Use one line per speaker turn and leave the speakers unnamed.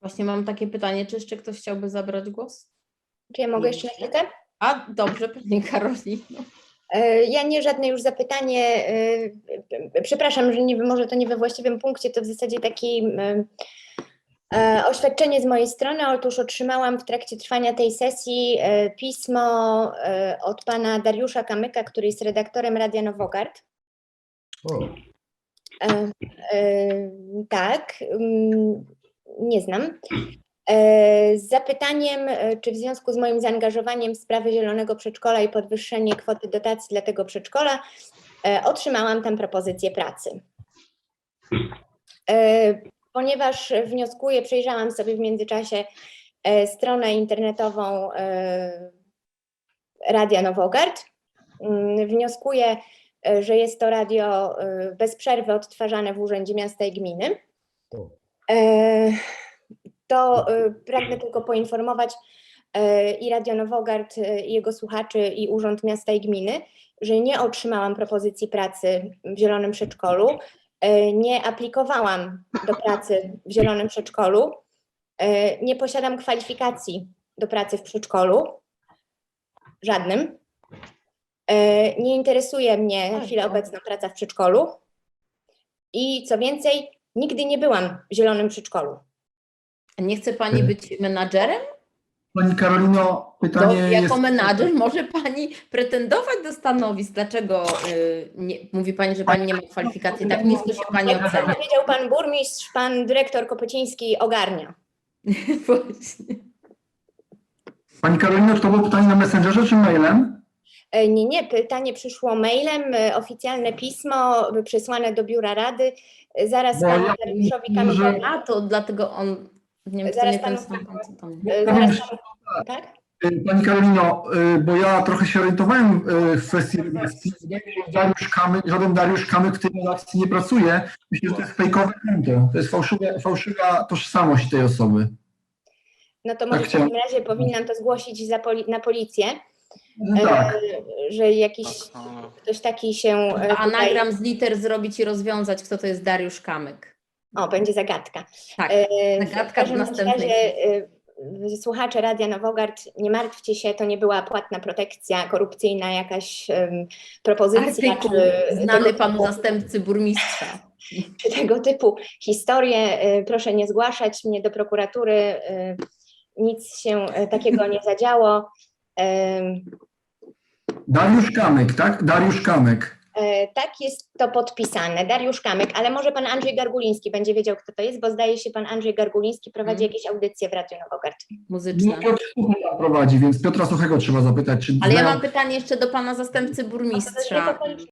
Właśnie mam takie pytanie, czy jeszcze ktoś chciałby zabrać głos?
Czy ja mogę jeszcze na chwilkę?
A, dobrze, pani Karolino.
Ja nie żadne już zapytanie, przepraszam, że może to nie we właściwym punkcie, to w zasadzie taki oświadczenie z mojej strony. Otóż otrzymałam w trakcie trwania tej sesji pismo od pana Dariusza Kamyka, który jest redaktorem Radia Nowogard. Tak, nie znam. Z zapytaniem, czy w związku z moim zaangażowaniem w sprawy Zielonego Przedszkola i podwyższenie kwoty dotacji dla tego przedszkola otrzymałam tam propozycję pracy. Ponieważ wnioskuję, przejrzałam sobie w międzyczasie stronę internetową Radia Nowogard. Wnioskuję, że jest to radio bez przerwy odtwarzane w Urzędzie Miasta i Gminy. To pragnę tylko poinformować i Radio Nowogard, i jego słuchaczy, i Urząd Miasta i Gminy, że nie otrzymałam propozycji pracy w Zielonym Przedszkolu, nie aplikowałam do pracy w Zielonym Przedszkolu, nie posiadam kwalifikacji do pracy w przedszkolu, żadnym. Nie interesuje mnie na chwilę obecną praca w przedszkolu i co więcej, nigdy nie byłam w Zielonym Przedszkolu.
Nie chce pani być menadżerem?
Pani Karolino, pytanie
jako menadżer może pani pretendować do stanowisk. Dlaczego mówi pani, że pani nie ma kwalifikacji? Tak nisko się pani ocenia.
Powiedział pan burmistrz, pan dyrektor Kopeciński ogarnia.
Właśnie.
Pani Karolino, czy to było pytanie na Messengerze czy mailem?
Nie, pytanie przyszło mailem, oficjalne pismo przesłane do biura rady. Zaraz panu Dariuszowi Kamykowi.
A to dlatego on, nie wiem,
zaraz
nie ten
panu,
sam pan, co to mnie.
tak?
Pani Karolino, bo ja trochę się orientowałem w kwestii redakcji. Żaden Dariusz Kamyk w tej redakcji nie pracuje. Myślę, że to jest fejkowe konto. To jest fałszywa tożsamość tej osoby.
No to może w takim razie powinnam to zgłosić na policję,
No tak.
że jakiś ktoś taki się...
Anagram z liter zrobić i rozwiązać, kto to jest Dariusz Kamyk.
O, będzie zagadka.
Tak, zagadka w następnej.
Razie, słuchacze Radia Nowogard, nie martwcie się, to nie była płatna protekcja, korupcyjna jakaś propozycja.
Artykuł znany panu zastępcy burmistrza.
Czy tego typu historie, proszę nie zgłaszać mnie do prokuratury, nic się takiego nie zadziało.
Dariusz Kamyk, tak? Dariusz Kamyk.
Tak, jest to podpisane. Dariusz Kamyk, ale może pan Andrzej Garguliński będzie wiedział, kto to jest, bo zdaje się, pan Andrzej Garguliński prowadzi jakieś audycje w Radiu Nowogard.
Muzyczne.
Piotr Suchego prowadzi, więc Piotra Suchego trzeba zapytać. Czy
ale ja mam pytanie jeszcze do pana zastępcy burmistrza.